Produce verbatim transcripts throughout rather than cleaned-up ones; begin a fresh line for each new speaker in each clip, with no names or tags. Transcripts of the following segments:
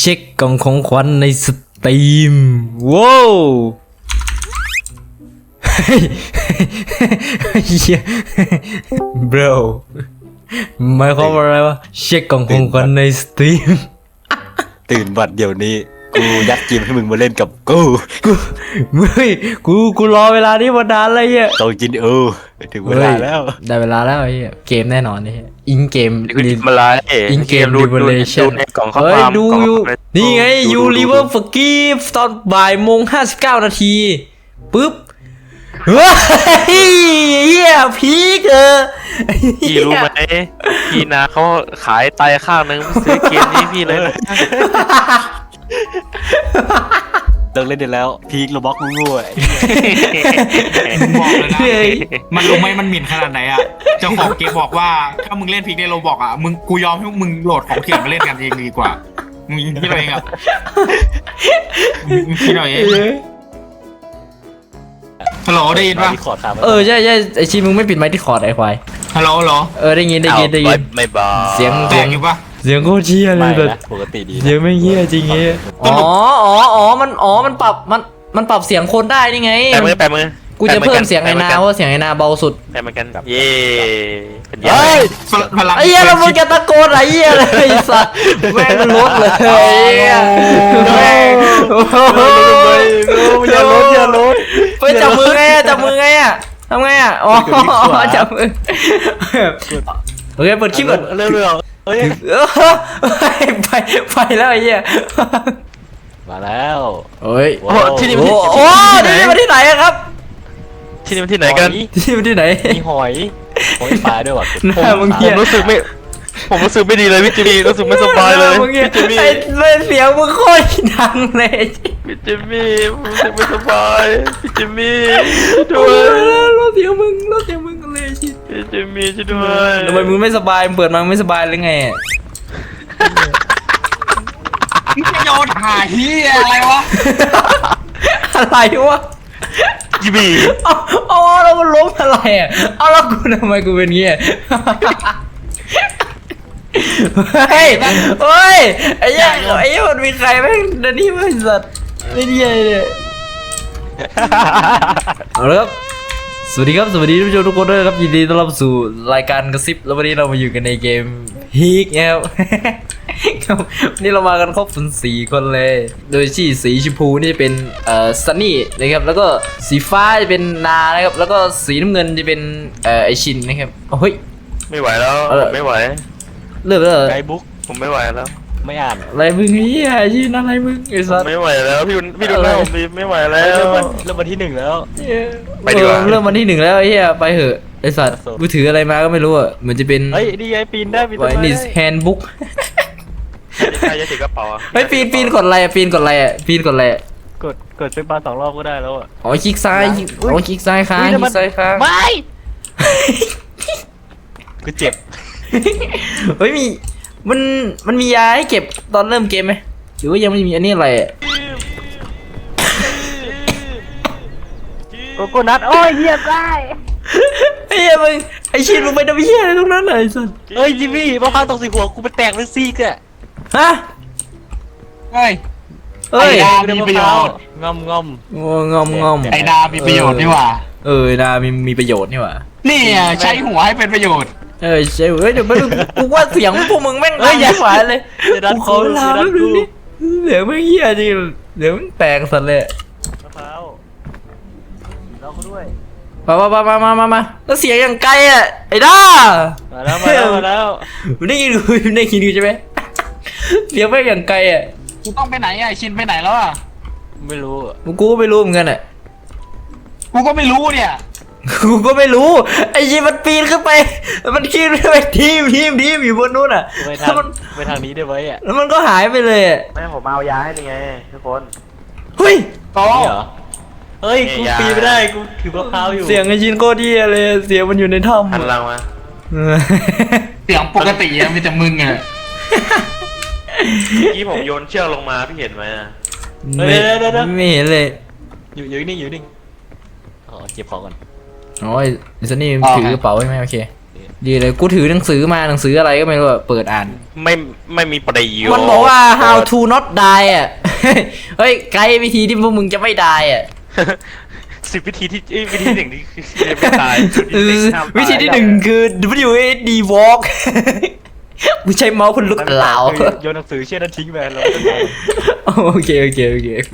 เช็คกล่องของขวัญในสตรีมว้าวเฮีย bro หมายความว่าอะไรวะเช็คกล่องของขวัญในสตรีม
ตื่นบัดเดี๋ยวนี้กูยัดเกมให้มึงมาเล่นกับกู
กูเฮ้ยกูกูรอเวลานี้มานานเลยเฮีย
ต้องกินเออถึงเวลาแล้ว
ได้เวลาแล้วไอ้เฮียเกมแน่นอนนี่อินเกม
มาไล่
อินเกมรีเวลเลชั่นเฮ้ยดูอยู่นี่ไงยูริเวอร์ฟกีฟตอนบ่ายโมงห้าสิบเก้านาทีปึ๊บเฮ้ยเฮียพีกเออ
พี่รู้ไหมพี่นาเขาขายไตข้างนึงซื้อเกมนี้พี่เลยนะ
เลิกเล่นได้แล้วพีคโรบ็อกงูๆไอ้
บอกเลยนะมันรู้ไหมมันหมิ่นขนาดไหนอ่ะเจ้าของเกมบอกว่าถ้ามึงเล่นพีคในโรบอกอ่ะมึงกูยอมให้มึงโหลดของเถื่อนมาเล่นกันเองดีกว่ามึงคิดอะไรเองอ่ะมึงคิดอะไรเองฮัลโหลได้ยินปะ
เออใช่ใช่ไอชีมึงไม่ปิดไมค์ที่คอร์ดไอควาย
ฮัลโหลฮัลโหล
เออได้ยินได้ยินได้ยิน
ไม่บอก
เสียง
แตกอยู่ปะ
เสียงโคตรเชี่ยเลยแบบ
ปกติดี
เสียงไม่เชี่ยจริงเงี้ยอ๋ออ๋ออ๋อมันอ๋อมันปรับมันมันปรับเสียงคนได้นี่ไง
แปะมือแปะมือ
กูจะเพิ่มเสียงไอ้นาเพราะเสียงไอ้นาเบาสุด
แปะมือกันเย่
เฮ้ยไอ้เหี้ยเรามึงจะตะโกนอะไรเหี้ยเลยสัตว์แม่งมันลดเลยแม่ง
อย่าลดอย่าลด
ไปจับมือไงจับมือไงอ่ะทำไงอ่ะอ๋อจับมือโอเคเปิดคลิปก่อน
เร็วๆเฮ้ย
ไปไปแล้วไอ้เหี้ย
มาแล้ว
เฮ้ย
โอ้ที่นี่
โอ้โหนี่มาที่ไหนครับ
ที่นี่มันที่ไหนกัน
ที่มันที่ไหน
มีหอยหอยปลาด้วยว่ะ
ผม
รู้สึกไม่ผมรู้สึกไม่ดีเลยพี่จิมี่รู้สึกไม่สบายเลยพี่จิมี่
ไอ้เสียงมึงโคตรดังเลย
พี่จิมี่รู้สึกไม่สบายพี่จิมี่ด้วย
รถเสียงมึงรถเสียงมึงเลยชิ
พี่จิมี่ช่วยด้วย
ทำไมมึงไม่สบายเปิดมาไม่สบายเลยไง
มึงจะโยนหาเฮียอะไรวะ
อะไรวะ
จิมี่
เอาเอาแล้วมันล้มอะไรอ่ะเอาแล้วกูทำไมกูเป็นเงี้ยเฮ้ยเฮ้ยไอ้ยังไอ้ยังมันมีใครแม่งเดี๋ยวนี้ไม่สัตว์ไม่ดีเลยเอาละครับสวัสดีครับสวัสดีทุกทุกคนด้วยครับยินดีต้อนรับสู่รายการกระซิบแล้ววันนี้เรามาอยู่กันในเกมฮีกครับวันนี้เรามากันครบถึงสี่คนเลยโดยที่สีชมพูนี่เป็นเอ่อซันนี่นะครับแล้วก็สีฟ้าจะเป็นนานะครับแล้วก็สีน้ำเงินจะเป็นเอ่อไอชินนะครับเฮ้ย
ไม่ไหวแล้วไม่ไหว
เลิกแล้ว
ไกด์บุ๊ก
ผมไม่ไหวแล้ว
ไม่อ่าน
อะไรมึงเฮียยินอะไรมึงไอ้สัส
ไม่ไหวแล้วพี่พี่ดูหน้าผมไม่ไหวแล้ว
เริ่มเริ่มวันที่หนึ่งแล้ว
ไปดีกว่า
เริ่มวันที่หนึ่งแล้วไอ้เฮียไปเหอะไอ้สัสมือถืออะไรมาก็ไม่รู้อ่ะเหมือนจะเป็น
เฮ้ยดีไอปีนได้ปีนได้
นี่แฮนด์บุ๊ก
ใครจะถือกระเป๋า
เฮ้ยปีนปีนกดอะไรอ่ะปีนกดอะไรอ่ะปีนกดอะไร
กดกดเป็นปลาสองรอบก็ได้แล้วอ่ะ
อ๋อคลิกซ้ายอ๋อคลิกซ้ายค้างคลิกซ้ายค้าง
ไม่กูเจ็บ
เฮ้ยมีมันมันมียาให้เก็บตอนเริ่มเกมไหมหรือว่ายังไม่มีอันนี้อะไร
โกโก้นัทโอ้ยเหี้ยได้
ไอ้เหี้ยมึงไอ้ชินมึงไปทำเหี้ยอะไรตรงนั้นเลยสัส
เฮ้ยจิมมี่มะพร้าวตกใส่หัวกูไปแตกเป็นซีกอะ
ฮะ
เฮ้ย
เฮ้ย
มีประโยชน์
งอมงอม
งอมงอม
ไอ้ดามีประโยชน์นี่หว่า
เออดามีมีประโยชน์นี่หว่า
นี่ใช้หัวให้เป็นประโยชน์
เออใช่เฮ้ยเดี๋ยวไม่รู้กูว่าเสียงพวกมึงแม่งดังยิ่งกว่าเลยกูขอลาแล้วดูนี่เดี๋ยวไม่เหี้ยจริงเดี๋ยวมันแตกสัตว์เลย
มะพร้าวเราก็ด้วย
มามามามามามาแล้วเสียงอย่างไกลอ่ะไอ้ด้า
มาแล้วมาแล้วมาแล้ว
มึงได้ยินกูได้ยินกูใช่ไหมเสียงไม่อย่างไกลอ่ะ
กูต้องไปไหนอ่ะชินไปไหนแล้วอ่ะ
ไม่รู้
มึงกูไม่รู้เหมือนกันอ่ะ
กูก็ไม่รู้เนี่ย
กูก็ไม่รู้ไอ้ยีมันปีนขึ้นไปมันขึ้นไปทีมทีมทีมอยู่บนนู้นอ่ะ
ไปทางไปทางนี้ได้ไหมอ่ะ
แล้วมันก็หายไปเลย
แม่ผมเอายาให้ยังไงทุกคน
เฮ้ย
ต่อ
เหรอเฮ้ยกูปีนไม่ได้กูถือมะพร้าวอยู่
เสียงไอ้ชินโคตรดีเลยเสียงมันอยู่ในถ้ำ
หันหลังมา
เสียงปกติอะมีแต่มึงอ่ะ
เมื่อกี้ผมโยนเชือกลงมาพี่เห็นไหม
ไม่ไม่เห็นเลย
อยู่อยู่นิ่งอยู่นิ่งอ๋อเก็บของก่อน
อ๋อไอ้ซันนี่ถือกระเป๋าใช่ไหมโอเคดีเลยกูถือหนังสือมาหนังสืออะไรก็ไม่รู้อะเปิดอ่าน
ไม่ไม่มีประโยชน์
มันบอกว่า how to not die อ่ะ เฮ้ยไกด์วิธีที่พวกมึงจะไม่ die อ่ะ
สิบวิธีที่เอ้ยวิธีหนึ่งที่ไม่ตาย
เออวิธีที่หนึ่งคือ W A D walk กูใช้เมาส์คนลุกเหลา
โยนหนังสือเชี่ยนั้นทิ้งไปแล้ว
โอเคโอเคโอเคโอเค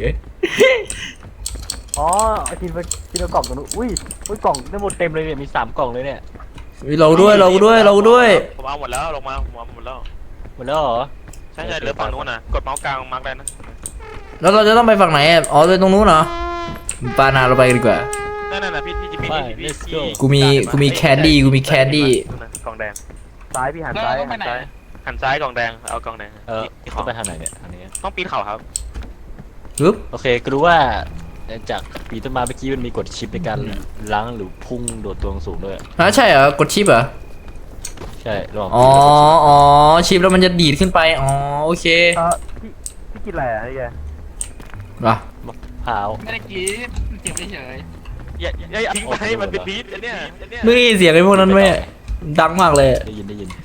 อ๋อไอทีนไปทีนเอากล่องตรงนู้นอุ้ยอุ้ยกล่องได้หมดเต็มเลยเนี่ยมีสามกล่องเลยเนี่ย
เราด้วยเราด้วยเราด้วย
ผมเอาหมดแล้วลงมาผมเอาหมดแล้ว
หมดแล้วเหรอ
ใช่ใช่เหลือฝั่งนู้นนะกดเมาส์กลางมาร์กได้นะ
แล้วเราจะต้องไปฝั่งไหนอ่ะอ๋อไปตรงนู้นเหรอปานาเราไปกันดีกว่า
นั่นน่ะพี่พี่พี่พี่พี่พี่
กูมีกูมีแคนดี้กูมีแคนดี้
กล่องแดง
ซ้ายพี่หัน
แล้ว
ซ้าย
เราต้องไป
หัน
ไหน
ซ้าย
หันซ้ายกล่องแดงเอากล่องแดง
เออ
ที่
เข้า
เขา
ไปทางไหนเนี่ยทางนี้
ต้องปีนเขาครับ
ปึ๊บ
โอเคก็รู้ว่าจากปีต้นไม้เมื่อกี้มันมีกดชิปในการล้างหรือพุ่งโดดตัวสูงด้วย
ฮะใช่เหรอกดชิปเหรอ
ใช่ลอง
อ๋ออ๋อชิปแล้วมันจะดีดขึ้นไปอ๋อโอเค
เออพี่พี่กินอะไรอ่ะนี่แก
ว่ะ
มะพร้าว
ไม่ได้กินเก็บเฉย
อย่าอย่าอย่าทิ้งไปมันเป็นบีทอันเนี้ยอันเนี้ย
ไม่ได้ยินเสียงไอ้พวกนั้นไหมดังมากเลย
ได้ยินได้ยิน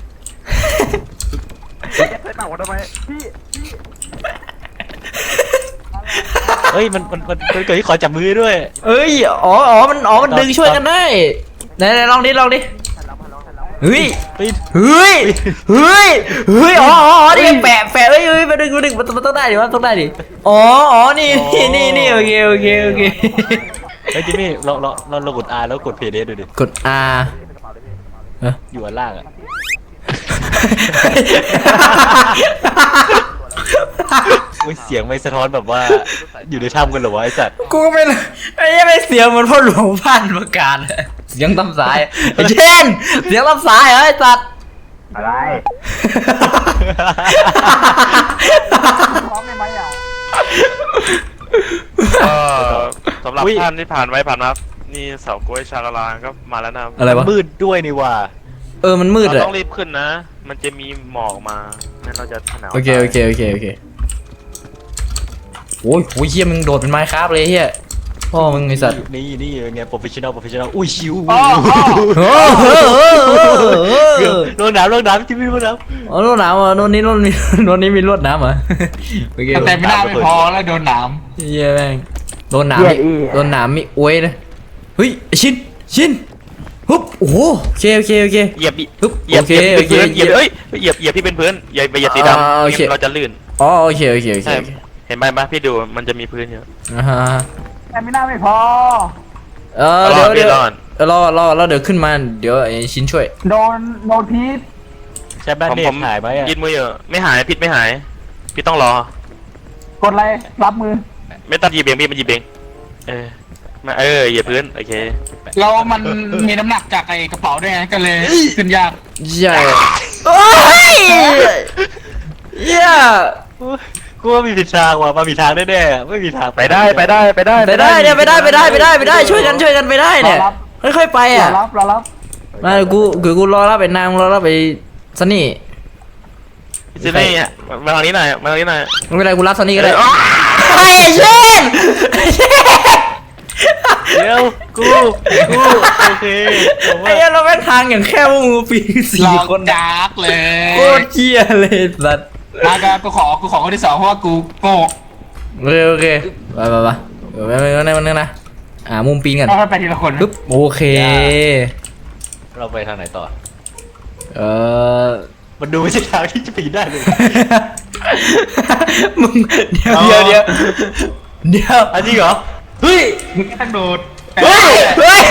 ใส่เต่าทำไมพี่
เฮ้ยมันมันมันมันเกิดที่ขอจับมือด้วย
เอ้ยอ๋ออ๋อมันอ๋อมันดึงช่วยกันได้ไหนไหนลองดิลองดิเฮ้ย
ปีน
เฮ้ยเฮ้ยเฮ้ยอ๋ออ๋ออ๋อนี่แปะแปะเฮ้ยเฮ้ยมาดึงมาดึงมันมันต้องได้ดิมันต้องได้ดิอ๋ออ๋อนี่นี่นี่นี่โอเคโอเคโอเค
เฮ้ยจิมมี่เราเราเราเรากด R แล้วกด เพย์ ดี เอส ดูดิ
กด R เอ้ย
อยู่อันล่างอ่ะอุ้ยเสียงไม่สะท้อนแบบว่าอยู่ในถ้ำกันเหรอวะไอสัตว์
กูก็ไม่รู้ไอ้ยังไม่เสียงเหมือนพ่อหลวงพันประกาศเสียงตำสายไอ้เช่นเสียงตำสายเหรอไอ้สัตว์
อะไร
ก็สำหรับท่านที่ผ่านไว้ผ่านมานี่เสากล้วยชาลาลาก็มาแล้วนะ
อะไรวะ
มืดด้วยนี่ว่า
เออมันมืด
เรา
อะ
ต้องรีบขึ้นนะ มันจะมีหมอกมางั้นเราจะหนาว
โอเคโอเคโอเคโอเคโอ้ยโอ้ยเฮียมึงโดดเป็นไม้คราฟเลยเฮียพ่อมึงไอสัตว์
นี่นี่ไงโปรเฟชชั่นอลโปรเฟชชั่นอลอุ้ยชิว
โอ้โห
ลงน้ำลงน้ำจิมมี่ลงน้
อ๋อรวดน้ำอ่ะโน่นนี้โน่นนี้โน่นนี้มีรวดน้ำเหรอ่ะโอเค
ๆแต่ไม่ได้ไม่พอแล้วโดนหนาม
เฮียแม่งโดนน้ำมีโดนน้ำมีอวยนะเฮ้ยไอ้ชินชินฮึบโอ้โหโอเคโอเคโอเค
เหยียบ
ฮึบ
เหยีย
โอบ เค
เหยียบ
โอเค
เหยียบเอ้ยเหยียบเหยียบที่เป็นพื้นอย่าไปเหยียบสี
อ่า
ดำ
โอเค
เราจะลื่น
อ๋อโอเคโอเคโอเค
ใช่
โอเค
เห็นไหมปะพี่ดูมันจะมีพื้นเยอะ
อ่าฮะ
แต่ไม่ได้ไม่พอ
เออ
ร
เดี๋
อ
ยว
ด
เดี๋ยว
รอด
เออรอรอรอเดี๋ยวขึ้นมาเดี๋ยวไอ้ชินช่วย
โดนโดนพีท
ำใช่แบน
ผม
เน
ผ
ต
ม
หายไหมอ่ะ
ยืนมืออยู่ไม่หายพิษไม่หายพี่ต้องรอก
ดอะไรรับมือ
ไม่ต้องหยิบเองพี่มันหยิบเองเออมาเออเหยียบพื้นโอเค
แล้วมันมีน้ำหนักจากไอ้กระเป๋าด้วยไงก็เลยขึ้นยาก
ใช่โอ้ยเหี้ย
กูว่ามีผิดทางว่ะมาผิดทางแน่ๆไม่มีทาง
ไปได้ไปได้ไปได้
ไปได้เนี่ยไปได้ไปได้ไปได้ไปได้ช่วยกันช่วยกันไปได้เนี่ยค่อยๆไป
รอ
อ่ะ
รับรอรับ
มาเดี๋ยวกูเดี๋ยวกูรอรับไปนางรอรับไปซันนี่
ซินี่อ่ะมาทางนี้หน่อยมาทางนี้หน่อย
ไม่เป็นไรกูรับซันนี่ก็ได้
เอ้ย
ไอ้เช่น
เดี๋ยวกูกูโอเคผม
ไอ้
ว่า
เหี้ยเราแม่งทางอย่างแค่พวกมึงปีสี่
รอ
คน
จากเลย
โคตรเชี่ยเลยสัตว์
มาก็กูขอกูขอคนที่สองเพราะว่ากูโง่
โอเคโอเคไปไปไปเดี๋ยวไปไปไปไปนะอ่ามุมปีนกัน
เราไปทีละคน
ปึ๊บโอเค
เราไปทางไหนต่อ
เออ
มันดูไม่ใช่ทางที่จะปีนได้เลย
มึงเดี๋ยวเดี๋ยวเดี๋ยวเดี๋ยว
อันนี้เหรอ
เฮ้ย
มึงก็ต้องโดด
เฮ้ยเฮ้ย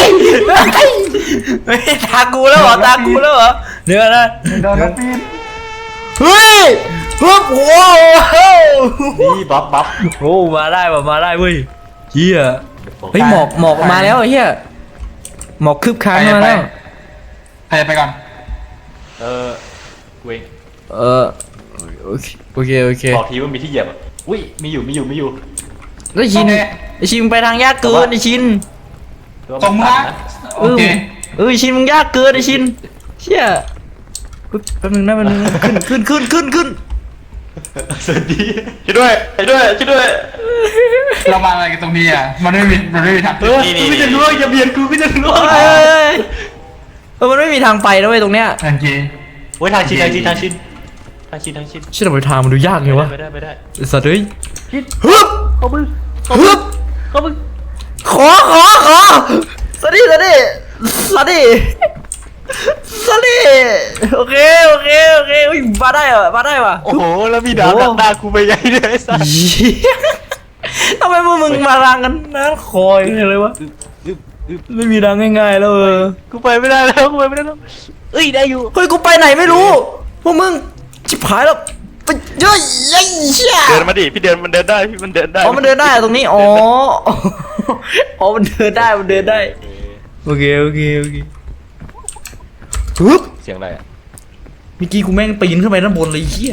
เฮ้ยตากูแล้วเหรอตากูแล้วเหรอเดี๋ยวนะ
โดนแล้วปีน
เฮ้ยฮึบโอ้โห
นี่บ๊อบบ๊อบ
โอ้มาได้ว่ะมาได้เว้ยเฮียเฮ้ยหมอกหมอกมาแล้วไอ้เฮียหมอกคืบคลานมาแล้ว
ไปไปก่อน
เออเว้ย
เออโอเคโอเคโอเค
บอกทีว่ามีที่เหยียบอ่ะอุ้ยมีอยู่มีอยู่มีอยู่
แล้วชินไอชินไปทางยากเกินไอชิน
ตรงนะโอเค
เออชินมึงยากเกินไอชินเชี่ยปึ๊บแป๊บนึงนะแป๊บนึงนะขึ้นขึ้นขึ้นขึ้นขึ้น
สวัสดี
ช่วยด้วยช่วยด้วยช่วยด้วย
เรามาอะไรกันตรงนี้อ่ะมันไม่มีมันไม่มีทาง
เออกูก็จะล่วงอย่าเบียดกูก็จะล่วง
เอ้ยออมันไม่มีทางไปนะเว้ยตรงเนี้ย
ทันที
โอ้ยทางชินทางชินทางชินทางชินทางชิน
เชื่อทำไมทางมันดูยากไงวะ
ไม่ได้ไม่ได้
ไอ้สัตว์เฮ้ย
ชิน
ฮึบ
เข้ามือ
ฮึบ
เข้ามือ
ขอขอขอสวัสดีสวัสดีสวัสดีสวัสดีโอเคโอเคโอเคอุ้ยมาได้เหรอมาได้ว่ะ
โอ้โหแล้วมีดาวดักหน้ากูไปใหญ่เลยไอ้สัส
เหี้ยทำไมพวกมึงมารังกันนะคอยเลยวะ
อึ๊บอึ๊บ
ไม่มีรังง่ายๆแล้วเออ
กูไปไม่ได้แล้วกูไปไม่ได้แล้วเอ้ยได้อยู่
เฮ้ยกูไปไหนไม่รู้พวกมึงชิบหายแล้วไปเยอะยัยเชี่ย
เดินมาดิพี่เดินมันเดินได้พี่มันเดินได้
อ๋อมันเดินได้ตรงนี้อ๋ออ๋อมันเดินได้มันเดินได้โอเคโอเคโอเคฮึบ
เสียงอะไรอ่ะ
เมื่อกี้กูแม่งปีนขึ้นไปด้านบนเลยเหี้ย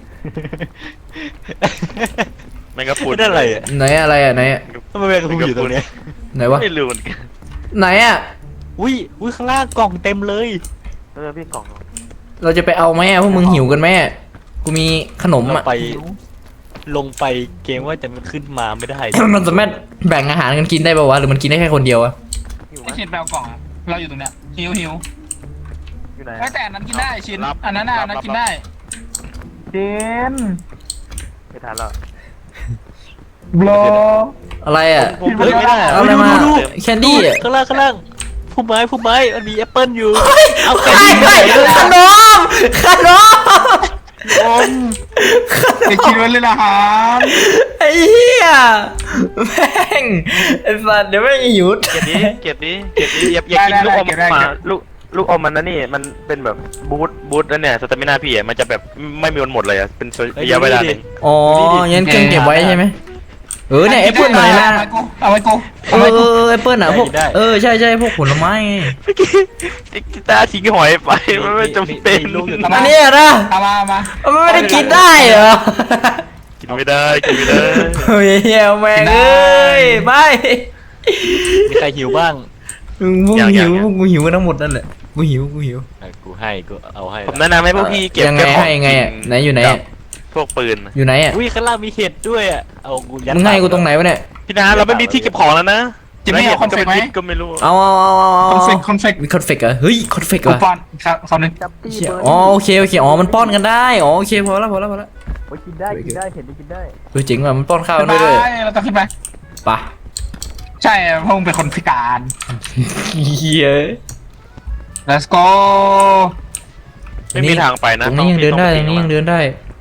แมงกะพรุน
นั่นอะไรอ่ะ
ไหนอะไรอ่ะไหนอ่ะ
ทำไมแมงกะพรุนอยู่ตรงเนี้ย
ไหนวะ
ไม่รู้เหมือนกัน
ไหนอ่ะ
อุ้ยอุ้ยข้างล่างกล่องเต็มเลย
เออพี่กล่อง
เราจะไปเอาไหมอ่ะพวกมึงหิวกันไหมอ่ะกูมีขนม
เรา
อ่ะ
ไปลงไปเกมว่าแต่มันขึ้นมาไม่ได้
มันสามารถแบ่งอาหารกันกินได้ป่าวะหรือมันกินได้แค่คนเดียวอะ
อยู่
ไอ้
ไหม
ชินแปลกล่องอะเราอยู่ตรงเนี้ยหิวหิว
อยู่ไหน
ไอ้แต่อันนั้นกินได้ชิน
รับ
อันนั้นน่ะอันนั้นกินได้เจน
ไม่ทันแล้ว
บลอ
อะไรอ่ะ
ผมเฮ้ยไม่ได้
เอาอะไรมาแคนดี้อ่ะ
ข้างล่างข้างล่างผู้ไม้ผู้ไม้มันมีแอปเปิลอยู่เอาแค
ไอ้
นดี้
ไอ้ขนมขนม
อมไอ้ชินไว้เลยนะฮะ
ไอ้เหี้ยแม่งไอ้สัตว์เดี๋ยวแม่งหยุด
เก็บนี้เก็บนี้เก็บนี้อย่าอย่ากินลูกอมมาลูกลูกอมมันนะนี่มันเป็นแบบบูทบูทแล้วเนี่ยสเตมินาพี่อ่ะมันจะแบบไม่มีวันหมดเลยอ่ะเป็นระยะเวลาหนึ่ง
อ๋องั้นเครื่องเก็บไว้ใช่ไหมเออเนี่ยแอปเปิ้ลหน่อยนะ
เอาไว้กูเอาไว้กู
เออเออแอปเปิ้ลอ่ะพวกเออใช่ใช่พวกผลไม้ไง
เมื่อกี้กีตาร์ทิ้งหอยไปมันไม่จำเป็น
อันนี้อะนะ
เอามาเอามา
มันไม่ได้กินได้เหรอ
กินไม่ได้กินไม่ได้
เฮ้ยเหี้ยแม่งเอ้ยไม่
มีใครหิวบ้าง
มึงพวกหิวพวกกูหิวกันทั้งหมดนั่นแหละกูหิวกูหิว
อ่ะกูให้กูเอาให้
ผมแนะนำให้พวกพี่เก็บ
ยังไง
แค่ของ
ให้ยังไงอะ
กิ
ไหนอยู่ไหนอะ
พวกปืน
อยู่ไหนอ่ะ
อุ้ยข้างล่างมีเห็ดด้วยอ่ะเอากูยัด
มึงให้กูตรงไหนวะเนี่ย
พี่นาเราไม่มีที่เก็บของแล้วนะ
จิมมี่เอาคอนเฟกต์ไหม
ก็ไม่รู้
เอาเอาเอาเอา
คอนเฟ
เอา
กต์คอนเฟกต์
มีคอนเฟกต์เหรอเฮ้ยคอนเฟกต์
กู
เหรอ
ป้อนครับสองหนึ่ง
เชี่ยอ๋อโอเคโอเคอ๋อมันป้อนกันได้อ๋อโอเคพอแล้วพอแล้วพอแล้ว
โอ้ยกินได้กินได้เห็ดกินได้
เออจริงว่ะมันป้อนข้าว
ไป
ด้วยด้วย
เราต้องขึ้นไป
ปะ
ใช่เพราะมึงเป็นคนพิการ
เฮีย
let's go
ไม่มีทางไปนะ
ตรงนี้ยังเดินได้ตรงนี้ยังเดินได้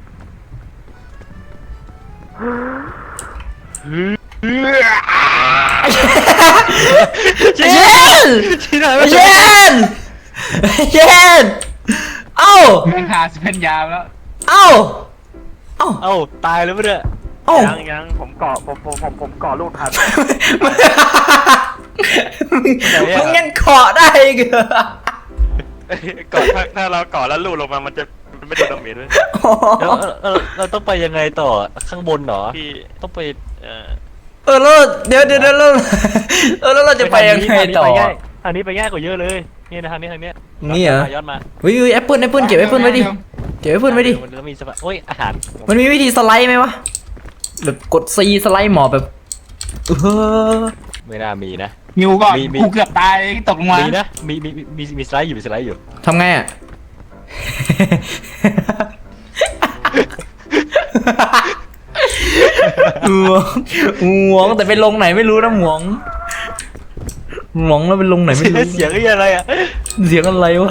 เช่น
เย็น
ที่ไหน
เย็นเย็นเอ้า
แม่งหาสิเพนยามแล้ว
เอ้าเอ้า
เอ้าตายแล้วปะเนี่ย
เอ้า
ยังยังผมเกาะผมผมผมผมเกาะลูกทัน
มึงยังเกาะได้อีกเหรอ
เกาะถ้าถ้าเราเกาะแล้วลูกลงมามันจะมันไม่โดนดาเมจด้วย
แล้วเราเราต้องไปยังไงต่อข้างบนเหรอ
พี่
ต้องไปเอ่อ
เออแล้วเดี๋ยวเดี๋ยวเดี๋ยวแล้วเออแล้วเราจะไปยังไงต่อ
ทางนี้ไปง่ายกว่าเยอะเลยนี่นะทางนี้ทางนี้
นี่เหรอ
ย้อนมา
เฮ้ยแอปเปิลแอปเปิลเก็บแอปเปิลไว้ดิเก็บแอปเปิลไว้ดิ
มันก็มีสปาโอ้ยอาหาร
มันมีวิธีสไลด์ไหมวะแบบกดซีสไลด์หมอบแบบเออ
ไม่น่ามีนะ
หิวก่อน
มีมี
กูเกือบตายตกลงมา
มีนะมีมีมีมีมีสไลด์อยู่มีสไลด์อยู่
ทำไงอ่ะ หวงหวงแต่ไปลงไหนไม่รู้นะหวงหวงแล้วไปลงไหนไม่รู้
เสียงอะไรอ่ะ
เสียงอะไรวะ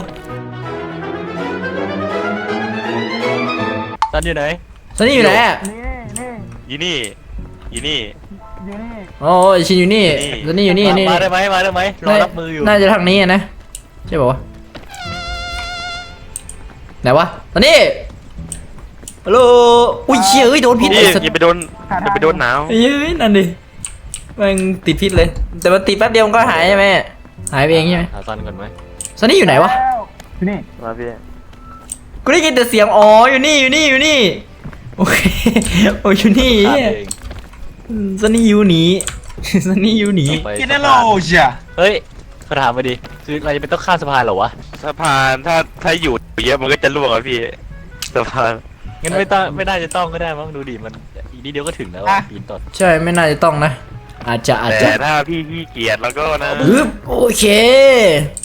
ตอนอยู่ไหน
ซันนี่อยู่ไหนอ่ะ
ยีนี่ยีนี่
อ๋อชินอยู่นี่ซันนี่อยู่นี่นี่
มาได้ไหมมาได้ไหมรอรับมืออยู่
น่าจะทางนี้อะนะใช่ป่าวะไหนวะซันนี่ฮัลโหลอุ้ยเชี่ยเอ้ยโดนพิษ
พี่
ไอ้สัตว์
อย่าไปโดนอย่าไปโดนหนาว
เฮ้ยนั่นดิมันติดพิษเลย แต่มันติดแป๊บเดียวมันก็หายใช่ไหมหายไปเองใช่ไหม
หาซันก่อนไหม
ซันนี่อยู่ไหนวะ
นี่
มาพี่
กูได้ยินแต่เสียงอ๋ออยู่นี่อยู่นี่อยู่นี่โอเคโอ้ยอยู่นี่
ฆ่า
เหี้ย
เอง
ซันนี่อยู่หนี ซันนี่อยู่หนี
ไป
กิน
สะ
ได้โล
พาน
จ้ะ
เฮ้ยเขาถามมาดิคือเราจะเป็นต้องข้ามสะพานเหรอวะ
สะพานถ้าถ้าอยู่เยอะมันก็จะล่วงอ่ะพี่สะพาน
งั้นไม่ต้องไม่น่าจะต้องก็ได้มั้งดูดิมันอีกนิดเดียวก็ถึงแล้วอะปีนต้น
ใช่ไม่น่าจะต้องนะ อาจจะอาจจะ
แต่ถ้าพี่ขี้เกียจแล้วก็นะ
ฮึบโอเค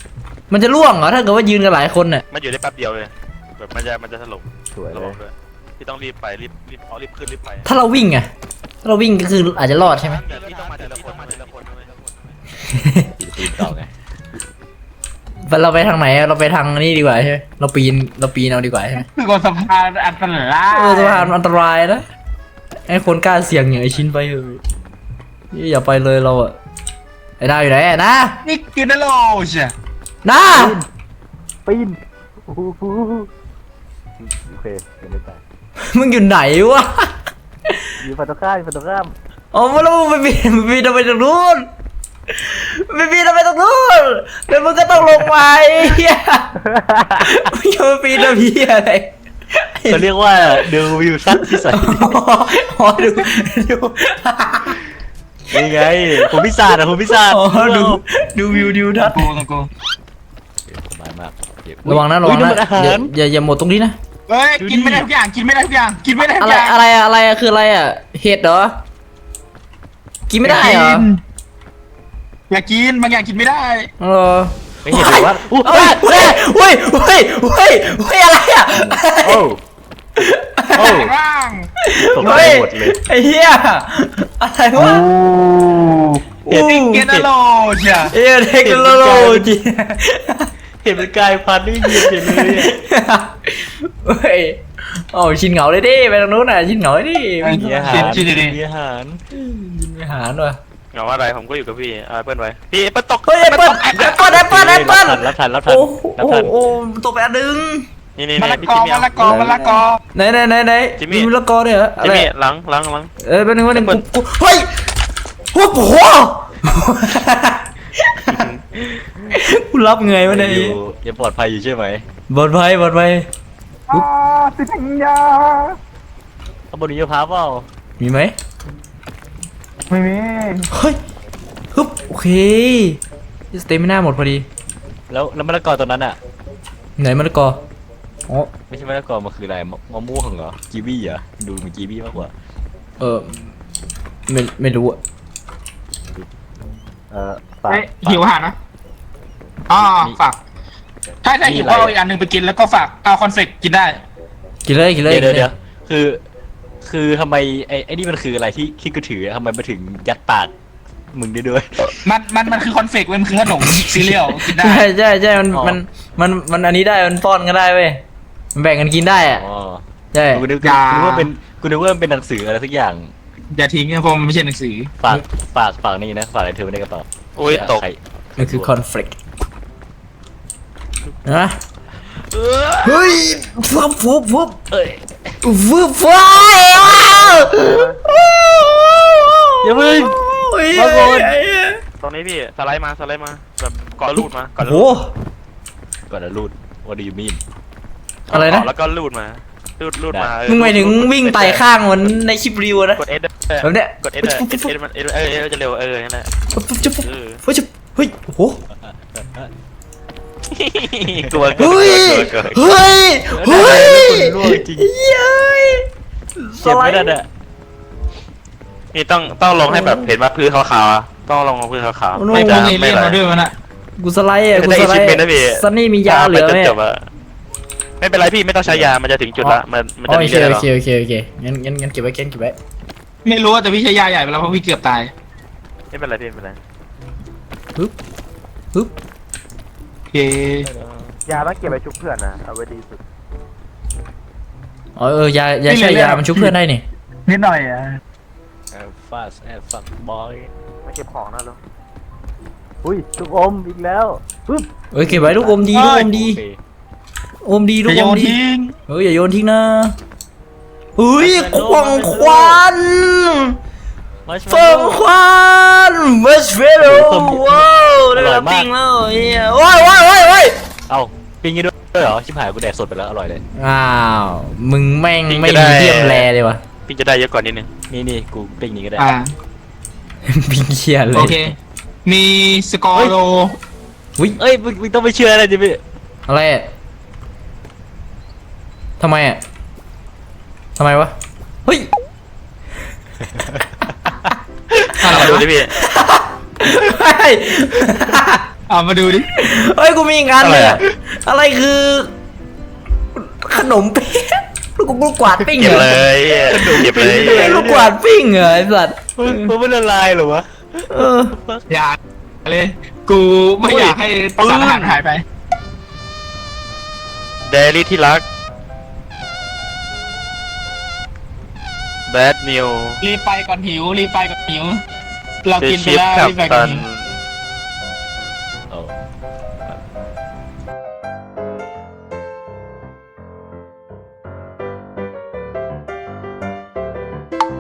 มันจะล่วงเหรอถ้าเกิดว่ายืนกันหลายคนน่ะ
มันอยู่ได้แป๊บเดียวเลยแบบมันจะมันจะถล่ม
สวย
ระ
เล
วั
ย
งด้วยพี่ต้องรีบไปรีบรีบเอารีบขึ้นรีบไป
ถ้าเราวิ่งอะถ้าเราวิ่งก็คืออาจจะรอดใช่ไหม
เดี๋ยวพี่ต้องมาทีละคนมาทีละคนด้วย
ปีนปีนต่อไง
เราไปทางไหนอะเราไปทางนี้ดีกว่าใช่ไหมเราปีนเราปีนเอาดีกว่าใช่ไหม
คือบนสะพานอันตราย
เออสะพานมันอันตรายนะไอ้คนกล้าเสี่ยงอย่างไอชิ้นไปเถอะอย่าไปเลยเราอะไอ้ดาวอยู่ไหนอะนะ
นี่กินได้โลใช่
นะ
ปีนโอ้โหโอเคยังไม่ตาย
มึงอยู่ไหนวะ
อยู่ฝั่งตรงข้ามอยู่ฝั่งตรงข้าม
อ๋อมาแล้วมึงไปปีนมึงปีนทำไมตรงนู้นไม่ปีนทำไมตรงนู้นแล้วมึงก็ต้องลงไปเฮียมึงจะมาปีนทำเฮียอะไร
เขาเรียกว่าดูวิวสั้นที่สุด
อ๋อดูดู
นี่ไงผมพิศาจอะผมพิศาจ
อ๋อดูดูวิวดิวทัศน์
กูตรงกู
สบายมาก
ระวังนะระวังนะ
อาหา
อย่าร อย่าอย่าหมดตรงนี้นะ
เฮ้ยกินไม่ได้ทุกอย่างกินไม่ได้ทุกอย่างกินไม่ได้ทุ
อะ
ก
ไร
อย่าง
อะไรอะอะไรอะคืออะไรอะเห็ดเหรอกินไม่ได้เหรอ
อยากกินบางอย่างกินไม่ได้
เออ
ไม่เห็นหรือว่าอู้
เฮ้ยเฮ้ยเฮ้ยเฮ้ยเฮ้ยเฮ้ยอะไรอะ
โอ้โอ้
ร่าง
ตกใจ
เฮ้ย
หมดเลย
ไอ้เหี้ยอะไรวะ
เห็น
กินได้โลใช่
เอ้ยเทคโนโลยี
เห็นเป็นกายพันธุ์นี่เย็นเลย
เฮ้ยโอ้ชินเหงาเลยดิไปทางนู้นน่ะชินเหงาเลยดิ
มีอาหาร
กินดี
มีอาหาร
ยินไปหาหน่อย
เหงาอะไรผมก็อยู่กับพี่อ่าเปิ้ลไว้พี่เปิ้ลตก
เฮ้ยแอปเปิ้ลแอปเปิ้ลแอปเปิ้ลแอปเปิ้ล
รับทันรับทัน
โอ้
รับ
โห
ทัน
โอ้โหตกไปอันนึง
นี่นี่
มะ
นี่
ละ
พี่
กอ
จิมมี่
มะละกอมะละกอ
ไหนไหนไหนไหน
จิมมี่
มีมะละกอด้วยเหรออะ
จิม
ไร
มี่หลังหลังหลัง
เออเป็นหนึ่งวันหนึ่งกูกูเฮ้ยโอ้โหกูรับไงวะเนี่ย
อยู่ยังปลอดภัยอยู่ใช่ไหม
บอลไพ่บอลไพ่
อ่าสิทังยา
ข้างบนนี้มะพร้าวเปล่า
มีไหม
ไม่มี
เฮ้ยฮึบโอเคสเตมิน่าหมดพอดี
แล้วแล้วมะละกอตัวนั้นอ่ะ
ไหนมะละกออ๋อ
ไม่ใช่มะละกอมันคืออะไรมะมะม่วงเหรอกีวีเหรอดูเหมือนกีวีมากกว่า
เออไม่ไม่รู้อะ
เออ
เฮ้ยหิวอาหารนะอ๋อฝากถ้าถ้าหิวก็เอาอีกอันหนึ่งไปกินแล้วก็ฝากเอาคอนเฟกกินได้
กินเลยกินเลย
เดี๋ยว
กิน
เดี๋
เลย
วย คือ คือทำไมไอ้ไอ้นี่มันคืออะไรที่ที่กูถือทำไมมาถึงยัดปากมึงได้ด้วย
มันมันมันคือคอนเฟกมันคือขนมซีเรียลกินได้
ใช่ใช่ใช่มัน
อ๋อ
มันมันมันอันนี้ได้มันป้อนกันได้เว้ยมันแบ่งกันกินได้อะ
อ๋อ
ใช่
กูนึก
อย่า
กูนึกว่าเป็นกูนึกว่ามันเป็นหนังสืออะไรสักอย่าง
อย่าทิ้งนะเพราะมันไม่ใช่หนังสือ
ฝากฝากฝากนี่นะฝากอะไรเธอไม่ได้กระเป๋า
โอ้ยตก
ใคร
มันคือคอนฟ lict นะเฮ้ยฟุบฟุบฟุบ
เอ้ย
ฟุบฟุบว้าว
อย่าเพิ่ง
โอ้ย
มาก่อน
ไอ้เหี้ย
ตรงนี้พี่สไลด์มาสไลด์มาแบบก่อนลูดมาก่อน
โอ้
ลู
โห
ด
ก่อนจะรูด what do you mean
อะไรนะ
เกาแล้วก็ลูดมาลูดลูดมาเออ
มึงหมายถึงวิ่งไต่ข้างเหมือนในคลิปรีวิวนะ
กดเอส
แบบเนี้ย
กดเอสเอสเอสมันเอสเออเอสจะเร็วเออนั่นแหละ
ฟุบฟุบฟุบ
เออ
เฮ้ยเฮ้ยโอ้โห
กลัว
เฮ้ย
กลัวกลัว
เฮ้ยเฮ้ย
คนร่วงจริง
เย้ย
เจ็บไม่ได้อะ
นี่ต้องต้องลงให้แบบเห็นว่าพื้นขาวๆอะต้องลงพื้นขาวๆ
ไม่
ไม่
ต้
จะ
องเอเลี่
ไม่
ยน
ไหล
มาด้วยมันอะ
กูสไลด์อ่ะ
จะ
กู
ได้
สไลด์
achievement นะพี่
ซันนี่มียาเหลือไหม
จนจบอะไม่เป็นไรพี่ไม่ต้องใช้ยา มันจะถึงจุดละ มันมัน
อ๋อ
จะ
โอ
มี
เค
เรื่อย
โอ
หรอ
เคโอเคโอเคงั้นงั้นงั้นเก็บไว้เก็บไว้
ไม่รู้แต่พี่ใช้ยาใหญ่ไปแล้วเพราะพี่เกือบตาย
ไม่เป็นไรพี่ไม่เป็นไร
ฮึบฮึบ
โอเค
ยาต้องเก็บไว้ชุบเพื่อนนะเอาไว้ดีสุด
อ๋อเออยายาใช่ยามันชุบเพื่อนได้นี่
นิดหน่อยอ่ะ
แอบฟาสแอบฟักบอย
ไม่เก็บของนะลูก
อุ้ยลูกอมอีกแล้วปึ๊บ
เอ้ยเก็บไว้ลูกอมดีลูกอมดี
โอเค
อมดีลู
จะ
ก
โย
อม
น
ดี
ทิ้ง
เฮ้ยอย่าโยนทิ้งนะเฮ้ยควงควัน
มาช
เฟิงควันมัสเฟโลว้าวได้เวลาปิ้งแล้วเฮียโอ้ยโอ้ยโอ้ยโอ้ย
เอ้าปิ้งงี้ด้วยเหรอชิบหายกูแดกสดไปแล้วอร่อยเลย
อ้าวมึงแม่งไม่มีเทียมแลเลยวะ
พี่จะได้เยอะกว่านิดนึง
นี่นี่กูปิ้งนี้ก็ได้
อ่า
ปิ้งเคียเล
โอย เค มีสกอร์โล
อุ้ย
เอ้ยมึงมึงต้องไปเชื่ออะไรดิพี่
อะไรอ่ะทำไมอ่ะทำไมวะเฮ้ย
อะไร
มาดู
วะ
ดิพี่
เฮ้ย
เอามาดูดิ
เฮ้ยกูมีอีกงานเลยอะอะไรคือ ขนมเปี๊ยะลูกลูกกวาดปิ้ง
เก็บ
เหร
เล
อย
เก็บเลย
เฮ้ยลูกกวาดปิ้งเหรอไอ้สัตว์
มันมันละลายเหรอวะ
เออ
อย่าเลย กูไม่อยากให้สารอาหารหายไป
เดลี่ที่รัก Bad News
รีบไปก่อนหิว รีบไปก่อนหิว เรา
The
กินไป
Ship
แล้วรีบไปก่อน
Captain
หิว